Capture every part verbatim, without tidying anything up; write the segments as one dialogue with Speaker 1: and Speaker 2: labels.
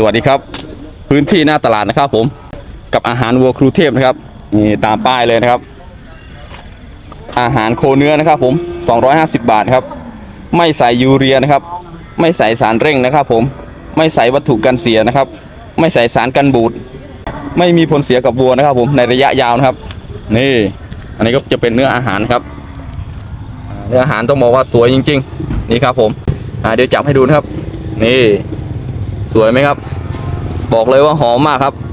Speaker 1: วัสดีครับพื้นที่หน้าตลาดนะครับผมกับอาหารวัวครูเทพนะครับนี่ตามป้ายเลยนะครับอาหารโคเนื้อนะครับผมสองร้อยห้าสิบบาทครับไม่ใส่ยูเรียนะครับไม่ใส่สารเร่งนะครับผมไม่ใส่วัตถุกันเสียนะครับไม่ใส่สารกันบูดไม่มีผลเสียกับวัวนะครับผมในระยะยาวนะครับนี่อันนี้ก็จะเป็นเนื้ออาหารครับเนื้ออาหารต้องบอกว่าสวยจริงๆนี่ครับผมเดี๋ยวจับให้ดูนะครับนี่สวยไหมครับบอกเลยว่าหอมมากครับ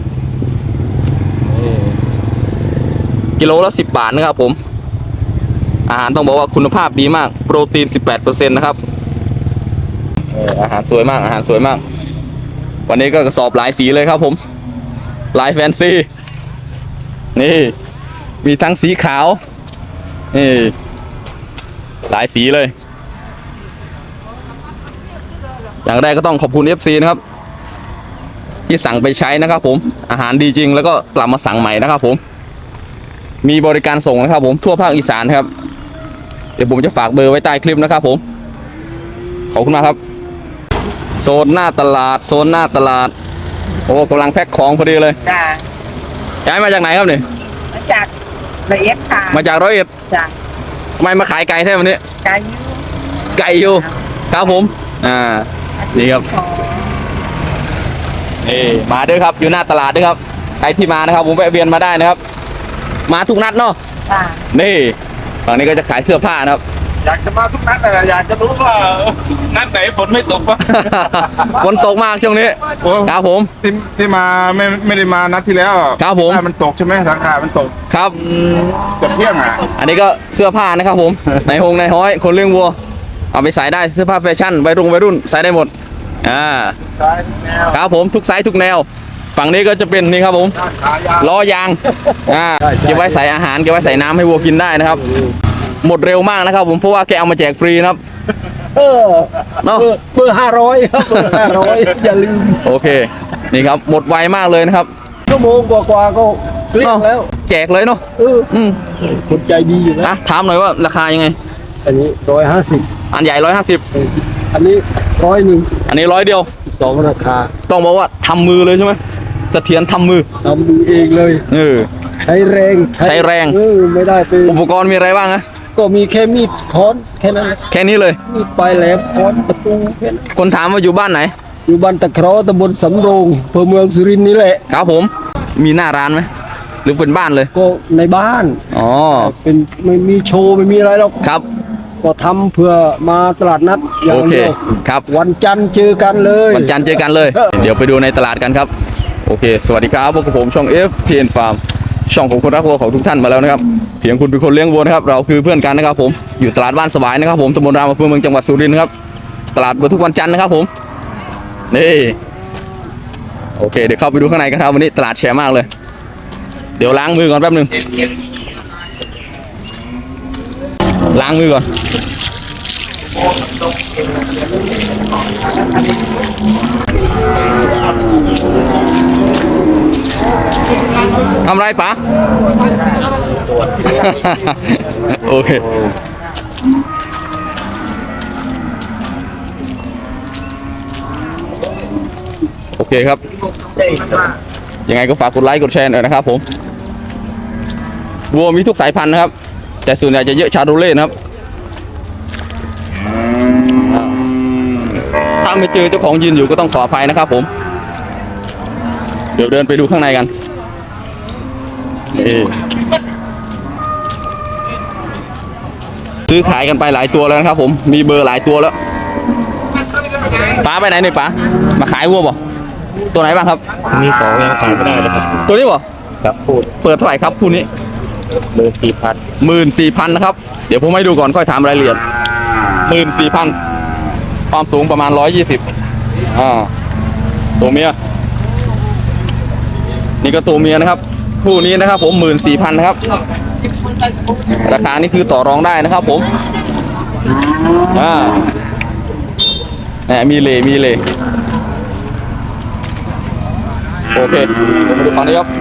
Speaker 1: กิโลละสิบบาทนะครับผมอาหารต้องบอกว่าคุณภาพดีมากโปรตีน สิบแปดเปอร์เซ็นต์ นะครับอาหารสวยมากอาหารสวยมากวันนี้ก็กระสอบหลายสีเลยครับผมลายแฟนซีนี่มีทั้งสีขาวนี่หลายสีเลยอย่างแรกก็ต้องขอบคุณ เอฟ ซี นะครับที่สั่งไปใช้นะครับผมอาหารดีจริงแล้วก็กลับมาสั่งใหม่นะครับผมมีบริการส่งนะครับผมทั่วภาคอีสานครับเดี๋ยวผมจะฝากเบอร์ไว้ใต้คลิปนะครับผมขอบคุณมากครับโซนหน้าตลาดโซนหน้าตลาดโอ้กำลังแพ็คของพอดีเลย
Speaker 2: จ้า
Speaker 1: ย้ายมาจากไหนครับเนี่ย
Speaker 2: มาจากร้อยเอ็ดค่ะ
Speaker 1: มาจากร้อยเอ็ด
Speaker 2: จ้า
Speaker 1: ทำไมมาขายไก่แท้วันนี้
Speaker 2: ไก่ยู
Speaker 1: ไก่อยู่ครับผมอ่านี่ครับนี่มาด้วยครับอยู่หน้าตลาดด้วยครับใครที่มานะครับผมแวะเวียนมาได้นะครับมาทุกนัดเนาะนี่ฝั่งนี้ก็จะขายเสื้อผ้านะครับ
Speaker 3: อยากจะมาทุกนัดแต่อยากจะรู้ว่านัดไหนฝนไม่ตกปะ
Speaker 1: ฝนตกมากช่วงนี้ครับผม
Speaker 3: ที่ที่มาไม่ไม่ได้มานัดที่แล้ว
Speaker 1: ครับผม
Speaker 3: มันตกใช่ไหมราคามันตก
Speaker 1: ครับ
Speaker 3: เกือบเที่ยงอ่ะ
Speaker 1: อันนี้ก็เสื้อผ้านะครับผมในหงในห้อยคนเลี้ยงวัวเอาไปใส่ได้เสื้อผ้าแฟชั่นวัยรุ่นวัยรุ่นใส่ได้หมดอ่าครับผมทุกไซส์ทุกแนวฝั่งนี้ก็จะเป็นนี่ครับผมล้อยางอ่าเก็บไว้ใส่อาหารเก็บไว้ใส่น้ำให้วัวกินได้นะครับหมดเร็วมากนะครับผมเพราะว่าแกเอามาแจกฟรีนะครับ
Speaker 2: เออเนาะเบอร์ห้าร้อยครับเบอร์ห้าร้อยอย่าลืม
Speaker 1: โอเคนี่ครับหมดไวมากเลยนะครับ
Speaker 2: ชั่วโมงกว่าๆก็เกลี้ยงแล้ว
Speaker 1: แจกเลยเนาะ
Speaker 2: เอออืมคนใจดีอยู่นะ
Speaker 1: ถามหน่อยว่าราคายังไง
Speaker 2: อันนี้ร้อยห้าสิบ
Speaker 1: อันใหญ่ร้อยห้าสิบ
Speaker 2: อันนี้ร้อยหนึ่ง
Speaker 1: อันนี้ร้อยเดียว
Speaker 2: สองราคา
Speaker 1: ต้องบอกว่าทำมือเลยใช่ไหมเสถียรทำมือ
Speaker 2: ทำมือเองเลย
Speaker 1: เออ
Speaker 2: ใช้แรง
Speaker 1: ใช้แรง
Speaker 2: เออไม่ได้เป็น
Speaker 1: อุปกรณ์มีอะไรบ้างนะ
Speaker 2: ก็มีแค่มีดค้อนแค่นั้น
Speaker 1: แค่นี้เลย
Speaker 2: มีดปลายแหลมค้อนตะปูแค่นั้น
Speaker 1: คนถามว่าอยู่บ้านไหน
Speaker 2: อยู่บ้านตะเคราะห์ตำบลสำโรงอำเภอเมืองสุรินทร์นี่แหละ
Speaker 1: ครับผมมีหน้าร้านไหมหรือเป็นบ้านเลย
Speaker 2: ก็ในบ้าน
Speaker 1: อ๋อ
Speaker 2: เป็นไม่มีโชว์ไม่มีอะไรหรอก
Speaker 1: ครับ
Speaker 2: ก็ทำเพื่อมาตลาดนัดอย่างเดียว
Speaker 1: ครับ
Speaker 2: วันจันทร์เจอกันเลย
Speaker 1: วันจันทร์เจอกันเลยเดี๋ยวไปดูในตลาดกันครับโอเคสวัสดีครับพวกผมช่อง เอฟ ที เอ็น Farm ช่องของคนรักวัวของทุกท่านมาแล้วนะครับเพียงคุณเป็นคนเลี้ยงวัวนะครับเราคือเพื่อนกันนะครับผมอยู่ตลาดบ้านสวายนะครับผมตำบลรามอำเภอเมืองจังหวัดสุรินทร์ครับตลาดเปิดทุกวันจันทร์นะครับผมนี่โอเคเดี๋ยวเข้าไปดูข้างในกันครับวันนี้ตลาดแชร์มากเลยเดี๋ยวล้างมือก่อนแป๊บนึงล้างมือก่อนทำไรปะ โอเคโอเคครับยังไงก็ฝากกดไลค์กดแชร์หน่อยนะครับผมวัวมีทุกสายพันธุ์นะครับแต่ส่วนใหญ่จะเยอะชาโรเล่นะครับถ้าไม่เจอเจ้าของยืนอยู่ก็ต้องขออภัยนะครับผมเดี๋ยวเดินไปดูข้างในกันซื้อขายกันไปหลายตัวแล้วนะครับผมมีเบอร์หลายตัวแล้วป้าไปไหนหน่อยป้ามาขายวัวบ่ตัวไหนบ้างครับ
Speaker 4: มีสองยังขายไม่ได้เลยครับ
Speaker 1: ตัวนี้บ่
Speaker 4: ครับพูด
Speaker 1: เปิดเท่าไหร่ครับคู่นี้
Speaker 4: หมื่นสี่พัน
Speaker 1: หมื่นสี่พันนะครับเดี๋ยวผมให้ดูก่อนค่อยถามรายละเอียดหมื่นสี่พันความสูงประมาณร้อยยี่สิบอ่าตัวเมียนี่ก็ตัวเมียนะครับคู่นี้นะครับผมหมื่นสี่พันนะครับราคานี่คือต่อรองได้นะครับผมอ่าเนี่ยมีเลมีเลโอเคผมมาดูฝั่งนี้ครับ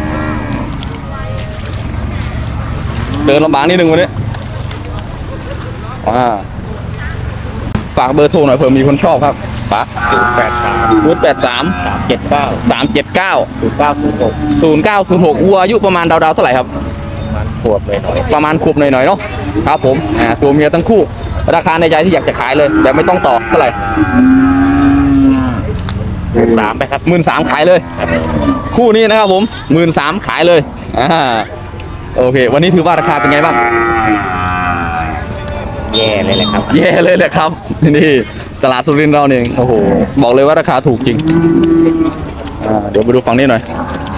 Speaker 1: เดินลำบากนิดนึงวันนี้อ่าฝากเบอร์โทรหน่อยเผื่อมีคนชอบครับป๋า
Speaker 4: ศูนย์แปดสาม
Speaker 1: ศูนย์แปดสาม
Speaker 4: สามเจ็ดเก้า
Speaker 1: สามเจ็ดเก้า
Speaker 4: ศูนย์เก้าศูนย์หก
Speaker 1: ศูนย์เก้าศูนย์หกวัวอายุประมาณราวๆเท่าไหร่ครับ
Speaker 4: มันขวบเลยหน่อย
Speaker 1: ประมาณขวบหน่อยๆเนาะครับผมอ่าตัวเมียทั้งคู่ ราคาในใจที่อยากจะขายเลยแต่ไม่ต้องต่อเท่าไหร่
Speaker 4: สามไปครับ
Speaker 1: หมื่นสามขายเลย คู่นี้นะครับผมหมื่นสามขายเลยอ่าโอเค วันนี้ถือว่าราคาเป็นไงบ้าง
Speaker 4: แย่เลยแหละครับ
Speaker 1: แย่เลยแหละครับนี่ตลาดสุรินทร์เราเนี่ยโอ้โหบอกเลยว่าราคาถูกจริงอ่าเดี๋ยวมาดูฝั่งนี้หน่อย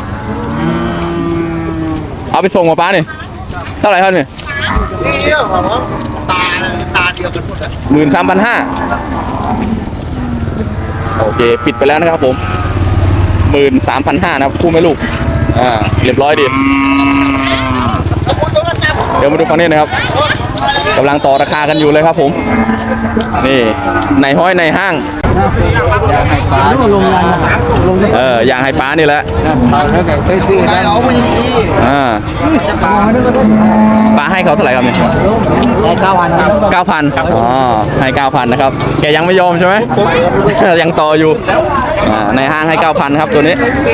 Speaker 1: เอาไปส่งมาป้าเนี่ยเท่าไหร่ครับเนี่ย
Speaker 3: นี่เรื่องของตาตาเดียวกันหมดอะ
Speaker 1: หมื่นสามพันห้าโอเคปิดไปแล้วนะครับผมหมื่นสามพันห้านะครับคู่แม่ลูกอ่าเรียบร้อยดีเดี๋ยวมาดูฝั่งนี้นะครับกำลังต่อราคากันอยู่เลยครับผมนี่ในห้อยในห้างเอออย่างไฮป้านี่แหละ
Speaker 3: ตายเอาไม่ดี
Speaker 1: อ่า
Speaker 3: จะปา
Speaker 1: ป้าให้เขาเท่าไหร่ครับเนี่ย
Speaker 2: เก้าพัน
Speaker 1: เก้าพันอ๋อให้เก้าพันนะครับแกยังไม่ยอมใช่ไหม ยังต่ออยู่อ่าในห้างให้เก้าพันครับตัวนี้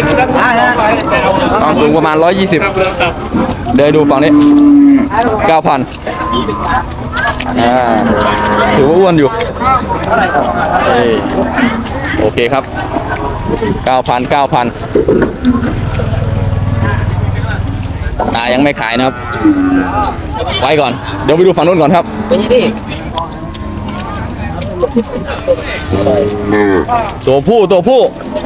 Speaker 1: ความสูงประมาณร้อยยี่สิบเดี๋ยวดูฝั่งนี้เก้าพันอ่าถือว่าอ้วนอยู่เอ้ยโอเคครับเก้าพันเก้าพันอ่ายังไม่ขายนะครับไว้ก่อนเดี๋ยวไปดูฝั่งนู้นก่อนครับตัวผู้ตัวผู้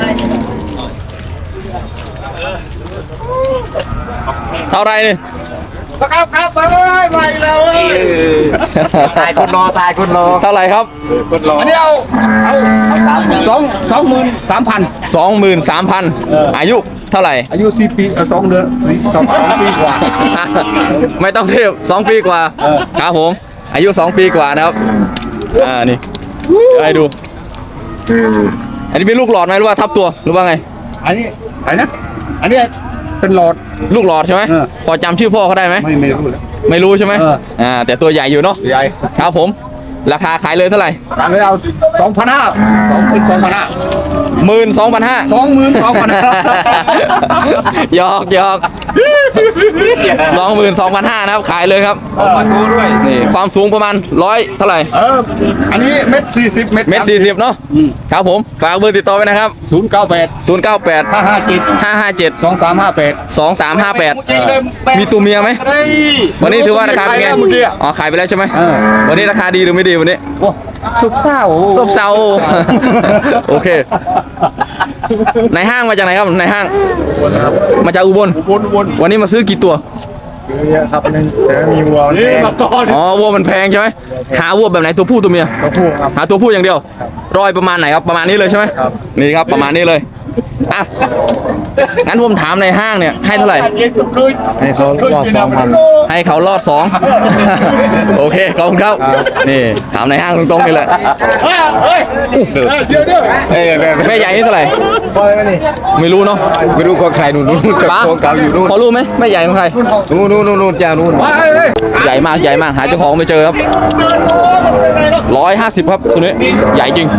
Speaker 1: เท่าไรนี่
Speaker 3: ครับครับเอ้ยไปแล้วเอ้ย
Speaker 2: ตายคนรอตายคนรอ
Speaker 1: เท่าไรครับ
Speaker 3: อันนี้เอาเอาเอาสามสองสองหมื่นสามพัน
Speaker 1: สองหมื่นสามพันอายุเท่าไหร่
Speaker 3: อายุสี่ปีเอ่อสองเดือนสี่สองสองปีกว่า
Speaker 1: ไม่ต้องเทียบสองปีกว่าครับผมอายุสองปีกว่านะครับอ่านี่เดี๋ยวให้ดู อันนี้เป็นลูกหลอดไหมหรือว่าทับตัวหรือว่าไง
Speaker 3: อันนี้อะไรนะ อันนี้เป็นหลอด
Speaker 1: ลูกหลอดใช่ไหม
Speaker 3: เออ
Speaker 1: พอจำชื่อพ่อเขาได้ไหม
Speaker 3: ไม่ไม่รู้เลย
Speaker 1: ไม่รู้ใช่ไหม
Speaker 3: เออ
Speaker 1: อ่าแต่ตัวใหญ่อยู่เนาะ
Speaker 3: ใหญ่
Speaker 1: ครับผมราคาขายเลยเท่าไหร่
Speaker 3: ตามไปเอาสองพันห้าสองหมื่นสองพันห้า
Speaker 1: หมื่นสองพันห้า
Speaker 3: สองหมื่นสองพันห้า
Speaker 1: หยอกหยอกสองหมื่นสองพันห้านะครับขายเลยครับ
Speaker 3: มาโชว์ด้วย
Speaker 1: นี่ความสูงประมาณร้อยเท่าไหร่
Speaker 3: เออ อันนี้เม็ดสี่สิบเม็ด
Speaker 1: เมตรสี่สิบเนาะครับผมฝากเบอร์ติดต่อไว้นะครับ
Speaker 3: ศูนย์เก้าแปด
Speaker 1: ศูนย์เก้าแปด
Speaker 3: ห้าห้าเจ็ด
Speaker 1: ห้าห้าเจ็ด
Speaker 3: สองสามห้าแปด
Speaker 1: สองสามห้าแปดมีตัวเมียไหมวันนี้ถือว่าราคาเป็นไง
Speaker 3: เมื่อกี้
Speaker 1: อ๋อขายไปแล้วใช่ไหม
Speaker 3: เออ
Speaker 1: วันนี้ราคาดีหรือไม่ดีวันนี้
Speaker 3: โอ้สุกเศร้า
Speaker 1: ซบเซาโอเคในห้างมาจากไหนครับในห้างมาจากอุบล
Speaker 3: วนวน
Speaker 1: วันนี้มาซื้อกี่ตัว
Speaker 3: เยอะครับนึงแต่มีวัวนี่มาก่อน
Speaker 1: อ๋อวัวมันแพงใช่ไหมหาวัวแบบไหนตัวผู้ตัวเมีย
Speaker 3: ตัวผู้ครับ
Speaker 1: หาตัวผู้อย่างเดียวรอยประมาณไหนครับประมาณนี้เลยใช่ไหม
Speaker 3: ครับ
Speaker 1: นี่ครับประมาณนี้เลยอ่ะงั้นผมถามในห้างเนี่ยให้เท่าไหร่
Speaker 3: ให้เขารอบสองพัน
Speaker 1: ให้เขารอดสอง โอเคขอบคุณครับนี่ถามในห้างตรงๆนี่แหละ
Speaker 3: เฮ้ยเดี๋ยวเดี๋ยว
Speaker 1: เอ้ยแม่ใหญ่นี่เท่าไหร่
Speaker 3: ปล่อยมานี่
Speaker 1: ไม่รู้เนาะ
Speaker 3: ไม่รู้ของใครนู่นนู่น
Speaker 1: ป้า
Speaker 3: ของเก่าอยู่นู่น
Speaker 1: พอรู้ไหมแม่ใหญ่ของใคร
Speaker 3: นู่นนู่นนู่นนู่นจ้านู่น
Speaker 1: ใหญ่มากใหญ่มากหาเจ้าของไม่เจอครับร้อยห้าสิบครับตัวนี้ใหญ่จริง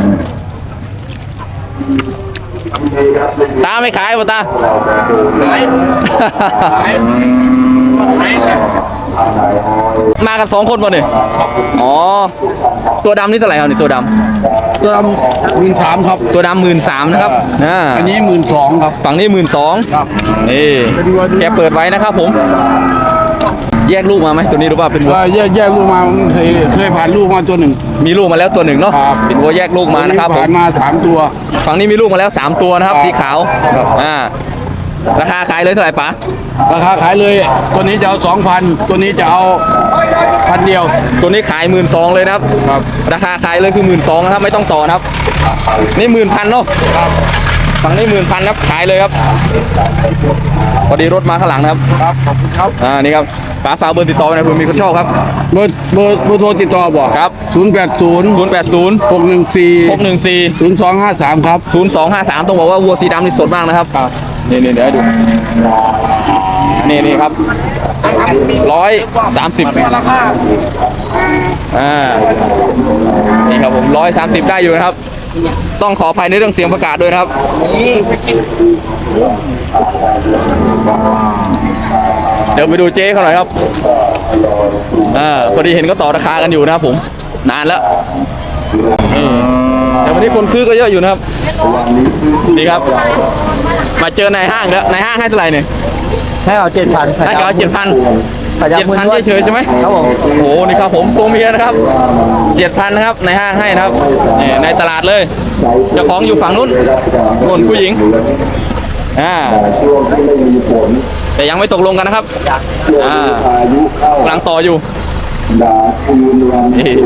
Speaker 1: ตาไม่ขายป่ะตา มากันสองคนป่ะเนี่ยอ๋อตัวดำนี่เท่าไหร่ครับนี่ตัวด
Speaker 3: ตัวหมื่นสามครับ
Speaker 1: ำตัวดำหมื่นสามนะครับนะ
Speaker 3: อันนี้หมื่นสองครับ
Speaker 1: ฝั่งนี้หมื่นสอง
Speaker 3: ครับ
Speaker 1: นี่แกเปิดไว้นะครับผม แยกลูกมาไหมตัวนี้รู้ป่ะเป็นวัว
Speaker 3: ว่าแยกแยกลูกมาผมเคยเคยผ่านลูกมาตัวหนึ่ง
Speaker 1: มีลูกมาแล้วตัวหนึ่งเนาะ
Speaker 3: ครับ
Speaker 1: เป็นวัวแยกลูกมานะครับผ
Speaker 3: ผ่าม นมาสามตัว
Speaker 1: ฝั่งนี้มีลูกมาแล้วสามตัวนะครับ
Speaker 3: ครับ
Speaker 1: สีขาว
Speaker 3: ครับ
Speaker 1: อ่าราคาขายเลยเท่าไหร่ป๋า
Speaker 3: ราคาขายเลย ตัวนี้จะเอาสองพันตัวนี้จะเอาพันเดียว
Speaker 1: ตัวนี้ขายหมื่นสองเลยนะครับ
Speaker 3: ครับ
Speaker 1: ราคาขายเลยคือหมื่นสองนะครับไม่ต้องต่อนะครับนี่หมื่นพันเนาะ
Speaker 3: ครับ
Speaker 1: ฝั่งนี้หมื่นพันครับขายเลยครับพอดีรถมาข้างหลังนะครับ
Speaker 3: ครับขอบคุณครับ
Speaker 1: อ่านี่ครับป๋าฝากเบอร์ติดต่อไว้หนะเผื่อมีคนชอบครับ
Speaker 3: เบอร์เบอร์เบอร์โทรติดต่อบอก
Speaker 1: ครับ
Speaker 3: ศูนย์แปดศูนย์
Speaker 1: ศูนย์แปดศูนย์
Speaker 3: หกหนึ่งสี่
Speaker 1: หกหนึ่งสี่
Speaker 3: ศูนย์สองห้าสามครับ
Speaker 1: ศูนย์สองห้าสามต้องบอกว่าวัวสีดำนี่สดมากนะครับนี่นี่เดี๋ยวให้ดูนี่นี่ครับร้อยสามสิบอ่านี่ครับผมร้อยสามสิบได้อยู่นะครับ ต้องขออภัยในเรื่องเสียงประกาศด้วยนะครับเดี๋ยวไปดูเจ๊เขาหน่อยครับอ่าพอดีเห็นก็ต่อราคากันอยู่นะครับผมนานแล้วนี่แต่วันนี้คนซื้อก็เยอะอยู่นะครับดีครับมาเจอในห้างแล้วในห้างให้เท่าไหร่เนี่ย
Speaker 2: ให้เอาเจ็ดพัน
Speaker 1: ให้เขาเจ็ดพัน
Speaker 2: ขยับ
Speaker 1: เจ็ด
Speaker 2: มือ
Speaker 1: พัน
Speaker 2: ด้วย
Speaker 1: เฉยๆใช่ไหม
Speaker 2: ครับผม
Speaker 1: โอ้โหนี่ครับผมตัวเมียนะครับเจ็ดพันนะครับในห้างให้นะครับนี่ในตลาดเลยเจ้าของอยู่ฝั่งนู้นนู่นผู้หญิงอ่าแต่ยังไม่ตกลงกันนะครับอ่ากำลังต่ออยู่นี่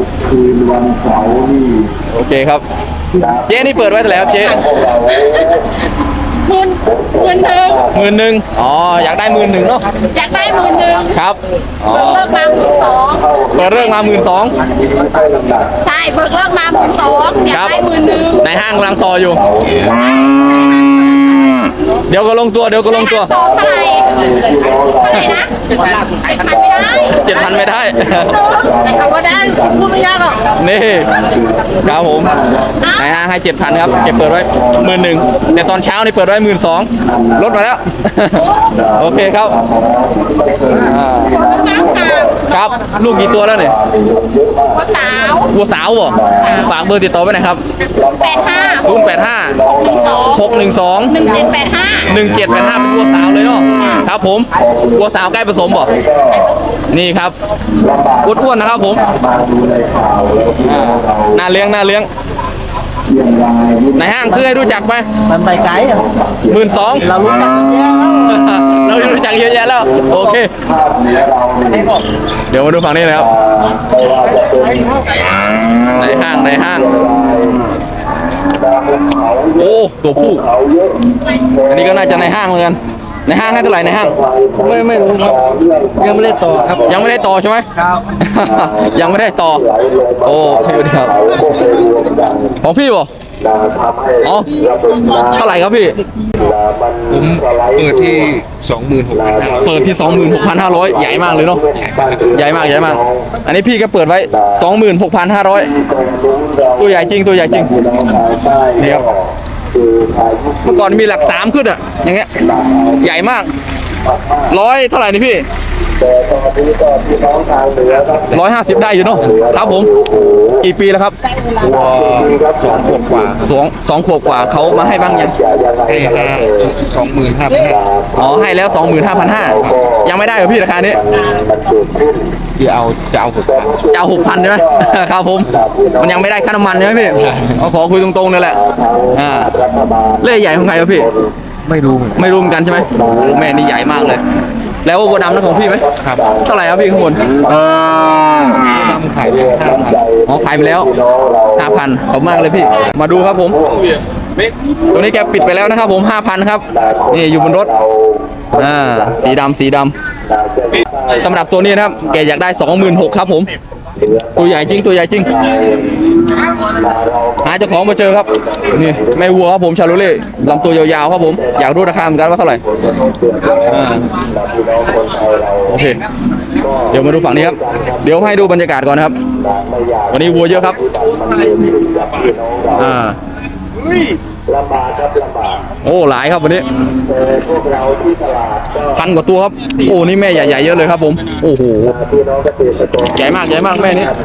Speaker 1: โอเคครับเจ๊นี่เปิดไว้เท่าไหร่ครับเจ๊
Speaker 5: หมื่นหมื่นหนึ่ง
Speaker 1: หมื่นหนึ่งอ๋ออยากได้หมื่นหนึ่งเนาะ
Speaker 5: อยากได้หมื่นหนึ่ง
Speaker 1: ครับอ๋อ
Speaker 5: เบิกเลิกมาหมื่นสอง
Speaker 1: เปิดเรื่องมาหมื่นสอง
Speaker 5: ใช่เบิกเลิกมาหมื่นสองอยากได้หมื่นหนึ่ง
Speaker 1: ในห้างกำลังต่ออยู่ เดี๋ยวก็ลงตัวเดี๋ยวก็ลงตัว
Speaker 5: ต่อเท่าไหร่เท่าไหร่นะเจ็ดพันไม่ได้
Speaker 1: เจ็ดพันไม่ได้
Speaker 5: แต่เขาก็ได้พูดไม่ยากหรอก
Speaker 1: นี่ครับผมในห้างให้เจ็ดพันครับเก็บเปิดไว้หมื่นหนึ่งแต่ตอนเช้านี่เปิดไว้หมื่นสองลดมาแล้ว โอเคครับอ่า
Speaker 5: น้ำค่ะ
Speaker 1: ครับลูกกี่ตัวแล้วเนี่ย
Speaker 5: หัวสาว
Speaker 1: วัวสาวบ่ฝากเบอร์ติดต่อไว้หน่อยครับ
Speaker 5: แปดห้า
Speaker 1: ศูนย์แปดห้า
Speaker 5: หนึ่งสอง
Speaker 1: หกหนึ่งสอง
Speaker 5: หนึ่งเจ็ดแปดห้า
Speaker 1: หนึ่งเจ็ดแปดห้าเป็นวัวสาวเลยเนาะครับผมวัวสาวใกล้ผสมบ่นี่ครับอ้วนๆนะครับผมอ่าน่าเลี้ยงน่าเลี้ยงในห้างซื้อให้รู้จักไหม
Speaker 2: มันไปไกลอ่ะ
Speaker 1: หมื่นสอง
Speaker 2: เรารู้จักกันเยอะแล้ว
Speaker 1: เรารู้จักเยอะแยะแล้วโอเคเดี๋ยวมาดูฝั่งนี้นะครับในห้างในห้างโอ้ตัวผู้อันนี้ก็น่าจะในห้างเหมือนกันในห้างให้เท่าไหร่ในห้าง
Speaker 2: ไม่ไม่รู้ครับยังไม่ได้ต่อครับ
Speaker 1: ยังไม่ได้ต่อใช่ไหม
Speaker 2: ครับ
Speaker 1: ยังไม่ได้ต่อโอ้พี่ดีครับของพี่บ่อ๋อเท่าไหร่ครับพี่
Speaker 6: ผมเปิดที่สองหมื่นหกพันห้าร้อย
Speaker 1: เปิดที่ สองหมื่นหกพันห้าร้อย ใหญ่มากเลยเนาะใหญ่มากใหญ่มากอันนี้พี่ก็เปิดไว้ สองหมื่นหกพันห้าร้อย ตัวใหญ่จริงตัวใหญ่จริงนี่ครับเมื่อก่อนมีหลักสามขึ้นอะอย่างเงี้ยใหญ่มากร้อยเท่าไหร่นี่พี่ร้อยห้าสิบได้อยู่เนาะครับผมกี่ปีแล้วครับ
Speaker 6: สองขวบกว่า
Speaker 1: สองสองขวบกว่าเขามาให้บ้างยัง
Speaker 6: ให้ห้าสองหมื่นห้าพันห้า
Speaker 1: อ๋อให้แล้ว สองหมื่นห้าพันห้าร้อย ยังไม่ได้เหรอพี่ราคานี้
Speaker 6: คือเอาจะเอาหกพัน
Speaker 1: จะเอาหกพันใช่ไหม ครับผมมันยังไม่ได้ค่าน้ำมันใช่ไหมพี่เอาขอคุยตรงๆนี่แหละอ่าเล่ใหญ่ของใครครับพี่
Speaker 6: ไม่รู้เหมือนกัน
Speaker 1: ไม่รู้เหมือนกันใช่ไหมโอ้แม่นี่ใหญ่มากเลย แล้ววัวดำนั่นของพี่ไหม
Speaker 6: ครับ
Speaker 1: เท่าไหร่ครับพี่ข้างบน
Speaker 6: ทำขายไปห้าพัน
Speaker 1: อ๋อขายไปแล้วห้าพันขอบมากเลยพี่ มาดูครับผมตัวนี้แกปิดไปแล้วนะครับผมห้าพันครับนี่อยู่บนรถอ่าสีดำสีดำสำหรับตัวนี้นะครับแกอยากได้สองหมื่นหกครับผมตัวใหญ่จริงตัวใหญ่จริงหาเจ้าของมาเจอครับนี่แม่วัวครับผมชาโลเล่ลำตัวยาวๆครับผมอยากรู้ราคาเหมือนกันว่าเท่าไหร่อ่าโอเคเดี๋ยวมาดูฝั่งนี้ครับเดี๋ยวให้ดูบรรยากาศก่อนนะครับวันนี้วัวเยอะครับอ่าโอ้หลายครับวันนี้พันกว่าตัวครับโอ้นี่แม่ใหญ่ๆเยอะเลยครับผมโอ้โหใหญ่มากใหญ่มากแม่นี้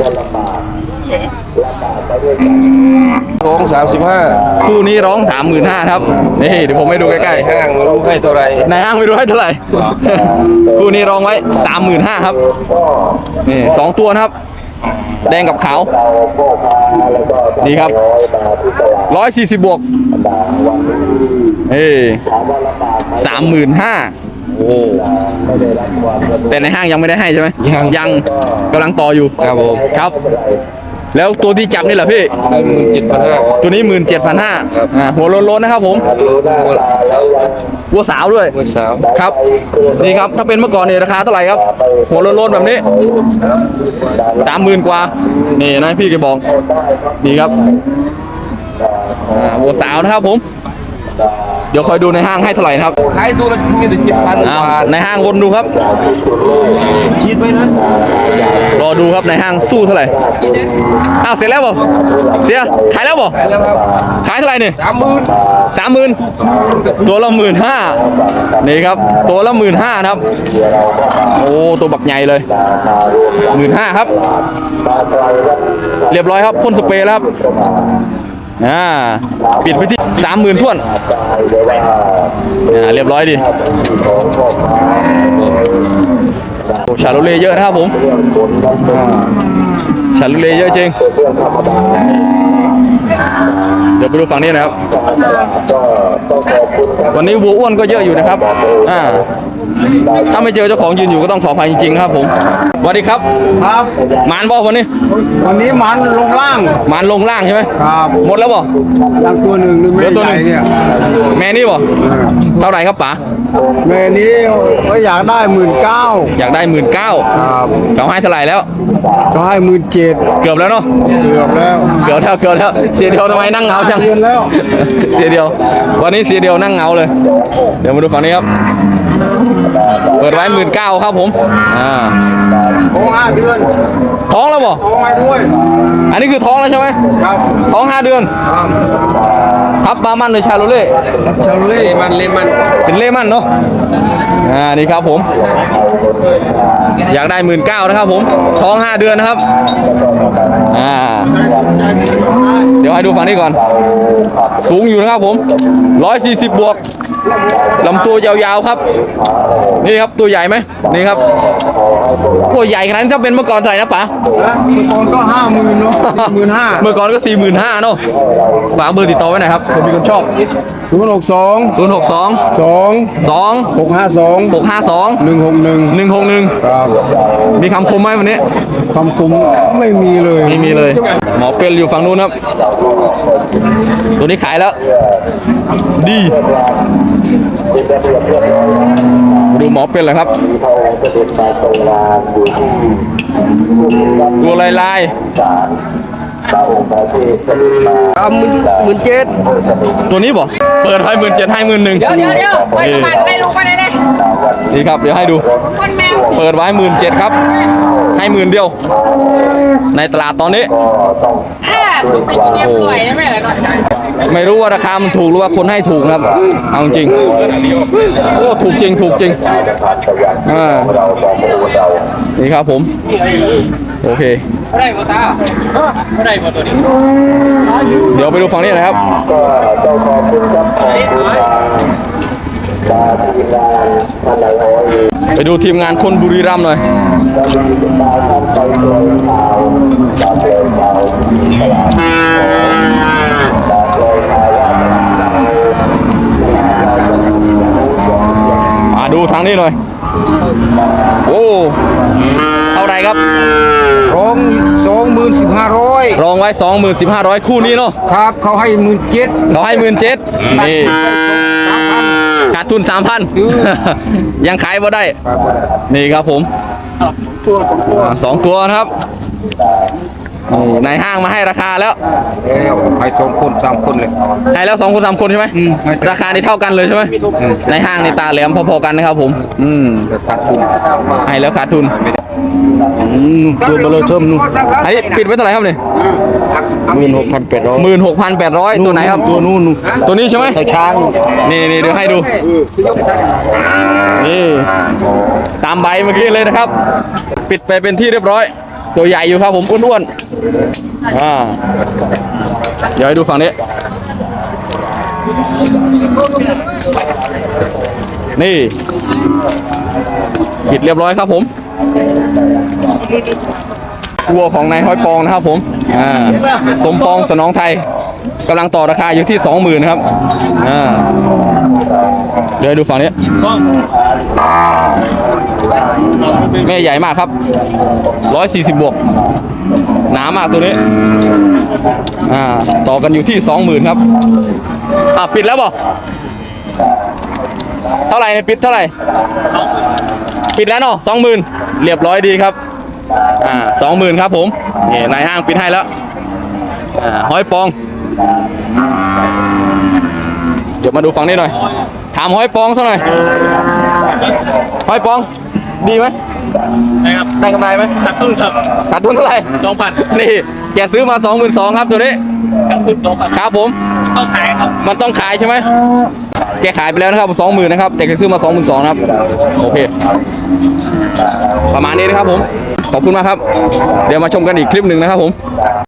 Speaker 6: ร้องสามสิบห้า
Speaker 1: คู่นี้ร้องสามหมื่นห้าครับนี่เดี๋ยวผมให้ดูใกล้
Speaker 6: ห้างไม่รู้ให้เท่าไหร
Speaker 1: ๆในห้างไม่รู้ให้เท่าไหร่ คู่นี้ร้องไว้สามหมื่นห้าครับนี่สองตัวนะครับแดงกับขาวนี่ครับร้อยสี่สิบบวกเอ้สามหมื่นห้าโอ้แต่ในห้างยังไม่ได้ให้ใช่ไหมยังยังกำลังต่ออยู่
Speaker 6: ครับผม
Speaker 1: ครับ แล้วตัวที่จับนี่แหละพี่
Speaker 6: หมื่นเจ็ดพันห้า
Speaker 1: ตัวนี้หมื่นเจ็ดพันห้าหัวโล้นๆนะครับผม วัวสาวด้วย
Speaker 6: เมื่อสาว
Speaker 1: ครับนี่ครับถ้าเป็นเมื่อก่อนเนี่ยราคาเท่าไหร่ครับ หัวโล้นๆแบบนี้สามหมื่นกว่านี่นะพี่แกบอกนี่ครับอ่าวัวสาวนะครับผมเดี๋ยวคอยดูในห้างให้เท่าไหร่นะครับ
Speaker 3: ขายตัวละมีแต่เจ็ดพัน
Speaker 1: อ่าในห้างวนดูครับ
Speaker 3: คิดไว้นะ
Speaker 1: รอดูครับในห้างสู้เท่าไหร่อ้าวเสร็จแล้วบ่เสียขายแล้วบ่
Speaker 3: ขายแล้วครับ
Speaker 1: ขายเท่าไหร่เนี่ย
Speaker 3: สามหมื่น
Speaker 1: สามหมื่นตัวละหมื่นห้านี่ครับตัวละหมื่นห้านะครับโอ้ตัวบักใหญ่เลยหมื่นห้าครับเรียบร้อยครับพ่นสเปรย์แล้วครับอ่าปิดไปที่สามหมื่นท่วนอ่าเรียบร้อยดิโอ้ชาโลเล่เยอะนะครับผมอ่าชาโลเล่เยอะจริงเดี๋ยวไปดูฝั่งนี้นะครับวันนี้วัวอ้วนก็เยอะอยู่นะครับอ่าถ้าไม่เจอเจ้าของยืนอยู่ก็ต้องขออภัยจริงๆนะครับผมสวัสดีครับ
Speaker 2: ครับ
Speaker 1: หมานบ่วันนี้
Speaker 2: วันนี้มันลงล่าง
Speaker 1: หมานลงล่างใช่ไหม
Speaker 2: ครับ
Speaker 1: หมดแล้วบ่
Speaker 2: ยังตัวหนึ่งนึง
Speaker 1: เห
Speaker 2: ไม่
Speaker 1: ลือตัวห
Speaker 2: ให
Speaker 1: นึ่
Speaker 2: ญ่
Speaker 1: ง
Speaker 2: เนี่ย
Speaker 1: แม่นี่บ่เท่าไหร่ครับป๋า
Speaker 2: แม่นี้ก็อยากได้หมื่นเก้า
Speaker 1: อยากได้หมื่นเก้า
Speaker 2: ครับ
Speaker 1: เขาให้เท่าไหร่แล้ว
Speaker 2: ก็ให้หมื่นเจ็ด
Speaker 1: เกือบแล้วเนาะ
Speaker 2: เกือบแล้ว
Speaker 1: เกือบแล้วเกือบแล้วเสียเดียวทำไมนั่งเหงาจัง
Speaker 2: เดือนแล้ว
Speaker 1: เสียเดียว วันนี้เสียเดียวนั่งเหงาเลย เดี๋ยวมาดูฝั่งนี้ครับเปิดไว้หมื่นเก้าครับผมอ่า
Speaker 2: ท้องห้าเดือน
Speaker 1: ท้องแล้วบ่
Speaker 2: ท้องให้ด้วย
Speaker 1: อันนี้คือท้องแล้วใช่ไหม
Speaker 2: ครับ
Speaker 1: ท้องห้าเดือน
Speaker 2: ครับ
Speaker 1: ทับบามันหรือชาโลเล่
Speaker 2: ชาเล่มันเล่มัน
Speaker 1: เป็นเล่มันเนาะอ่านี่ครับผม อยากได้หมื่นเก้านะครับผมท้องห้าเดือนนะครับอ่าเดี๋ยวให้ดูฝั่งนี้ก่อน สูงอยู่นะครับผมร้อยสี่สิบบวกลำตัวยาวๆครับ นี่ครับตัวใหญ่ไหมนี่ครับตัวใหญ่ขนาดนี้ถ้าเป็นเมื่อก่อนเท่าไหร่นะป๋า
Speaker 2: นะเมื่อก่อนก็ห้าหมื่นเนาะหมื่นห้า
Speaker 1: เมื่อก่อนก็สี่หมื่นห้าเนาะฝากเบอร์ติดต่อไว้หน่อยครับผมมีคนชอบ
Speaker 2: ศูนย์หกสอง
Speaker 1: ศูนย์หกสอง
Speaker 2: สอง
Speaker 1: สอง
Speaker 2: หกห้าสอง
Speaker 1: หกห้าสอง
Speaker 2: หนึ่งหกหนึ่ง
Speaker 1: หนึ่งหกหนึ่ง
Speaker 2: ครับ
Speaker 1: มีคำคมไหมวันนี้
Speaker 2: คำคุมไม่มีเลย
Speaker 1: ไม่มีเลย หมอเป็นอยู่ฝั่งนู้นครับ ตัวนี้ขายแล้ว ดีดูหมอเป็นเลยครับ ตัวลายลาย
Speaker 2: เอาหมื่นหมื่นเจ็ด
Speaker 1: ๆตัวนี้บ่เปิดให้หมื่นเจ็ดให้หมื่นหนึ่ง
Speaker 5: เดี๋ยวเดี๋ยวเดี๋ยวไปสมัครไปลูกไปเลยเลย
Speaker 1: นี่ครับ เดี๋ยวให้ดู
Speaker 5: คนแมว
Speaker 1: เปิดไว้หมื่นเจ็ดครับ ให้หมื่นเดียว ในตลาดตอนนี้
Speaker 5: อ่าสุดไปกินเรียบร้อยได้ไหมล่ะเนาะ
Speaker 1: ไม่รู้ว่าราคามันถูกหรือว่าคนให้ถูกนะครับ เอาจริง โอ้ ถูกจริง ถูกจริงอ่านี่ครับผม โอเค
Speaker 4: ได้หมดตาได้หมดตัวนี้
Speaker 1: เดี๋ยวไปดูฝั่งนี้นะครับ ไปดูทีมงานคนบุรีรัมย์หน่อย มาดูทางนี้หน่อย โอ้ เท่าไหรครับ
Speaker 2: ร้องสองหมื่นสิบห้าร้อย
Speaker 1: รองไว้สองหมื่นสิบห้าร้อยคู่นี้เนาะ
Speaker 2: ครับเขาให้หมื่นเจ็ด
Speaker 1: เขาให้หมื่นเจ็ดนี่ขาดทุนสามพันยังขายบ่ได้ นี่ครับผม
Speaker 2: ตัวสองตัว
Speaker 1: อ่าสองตัวนะครับนี่ในห้างมาให้ราคาแล้ว
Speaker 2: เอ้ยให้สองคนสามคนเลย
Speaker 1: ให้แล้วสองคนสามคนใช่ไหม
Speaker 2: อืม
Speaker 1: ราคานี่เท่ากันเลยใช่ไหมในห้างในตาแหลมพอๆกันนะครับผม อืม
Speaker 2: ขาดทุน
Speaker 1: ให้แล้วขาดทุน
Speaker 2: ตัวเบลอเทิมนู่น
Speaker 1: อันนี้ปิดไว้เท่าไหร่ครับเนี่ย
Speaker 2: หมื่นหกพันแปดร้อย
Speaker 1: หมื่นหกพันแปดร้อยตัวไหนครับ
Speaker 2: ตัวนู่น
Speaker 1: ตัวนี้ใช่ไหม
Speaker 2: ตัวช้าง
Speaker 1: นี่นี่เดี๋ยวให้ดู นี่ ตามใบเมื่อกี้เลยนะครับ ปิดไปเป็นที่เรียบร้อย ตัวใหญ่อยู่ครับผมอ้วนๆอ่าเดี๋ยวให้ดูฝั่งนี้ นี่ ปิดเรียบร้อยครับผมวัวของนายห้อยปองนะครับผมอ่าสมปองสนองไทยกำลังต่อราคาอยู่ที่สองหมื่นครับอ่าเดี๋ยวดูฝั่งนี้แม่ใหญ่มากครับร้อยสี่สิบบวกหนามากตัวนี้อ่าต่อกันอยู่ที่สองหมื่นครับอ่าปิดแล้วบ่เท่าไหร่เนี่ยปิดเท่าไหร่ปิดแล้วเนาะสองหมื่นเรียบร้อยดีครับอ่าสองหมื่นครับผมนี่นายห้างปิดให้แล้วอ่าห้อยปองเดี๋ยวมาดูฝั่งนี้หน่อย ถามห้อยปองสักหน่อยห้อยปอง ดีไหม
Speaker 4: นะครับ
Speaker 1: ได้กำไรไหม
Speaker 4: ตัดทุนครับ
Speaker 1: ขาดทุนเท่าไหร่
Speaker 4: สองพัน
Speaker 1: นี่แกซื้อมาสองหมื่นสองครับตัวนี้
Speaker 4: ตัดทุนสองพัน
Speaker 1: ครับผม
Speaker 4: ต้องขายครับ
Speaker 1: มันต้องขายใช่ไหม แกขายไปแล้วนะครับสองหมื่นนะครับ แต่แกซื้อมาสองหมื่นสองนะครับ โอเค ประมาณนี้นะครับผม ขอบคุณมากครับ เดี๋ยวมาชมกันอีกคลิปหนึ่งนะครับผม